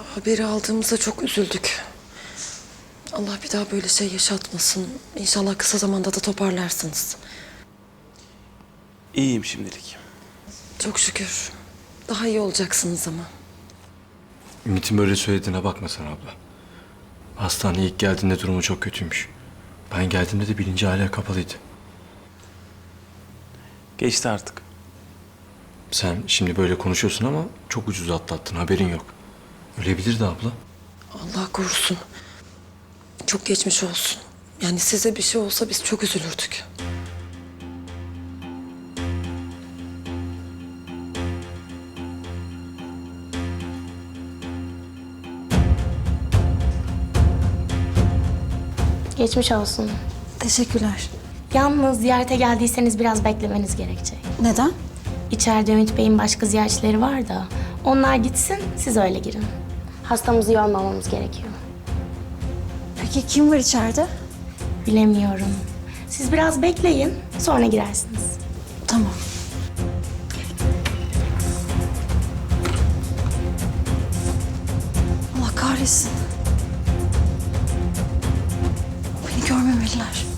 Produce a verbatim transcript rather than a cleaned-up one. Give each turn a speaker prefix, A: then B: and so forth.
A: Haberi aldığımızda çok üzüldük. Allah bir daha böyle şey yaşatmasın. İnşallah kısa zamanda da toparlarsınız.
B: İyiyim şimdilik.
A: Çok şükür. Daha iyi olacaksınız ama.
C: Ümit'in böyle söylediğine bakma sen abla. Hastaneye ilk geldiğinde durumu çok kötüymüş. Ben geldiğimde de bilinci hala kapalıydı.
B: Geçti artık.
C: Sen şimdi böyle konuşuyorsun ama çok ucuz atlattın, haberin yok. Ölebilirdi abla.
A: Allah korusun. Çok geçmiş olsun. Yani size bir şey olsa biz çok üzülürdük.
D: Geçmiş olsun.
E: Teşekkürler.
D: Yalnız ziyarete geldiyseniz biraz beklemeniz gerekecek.
E: Neden?
D: İçeride Ümit Bey'in başka ziyaretçileri var da onlar gitsin, siz öyle girin. Hastamızı yormamamız gerekiyor.
E: Peki kim var içeride?
D: Bilemiyorum. Siz biraz bekleyin, sonra girersiniz.
E: Tamam. Allah kahretsin. Beni görmemeliler.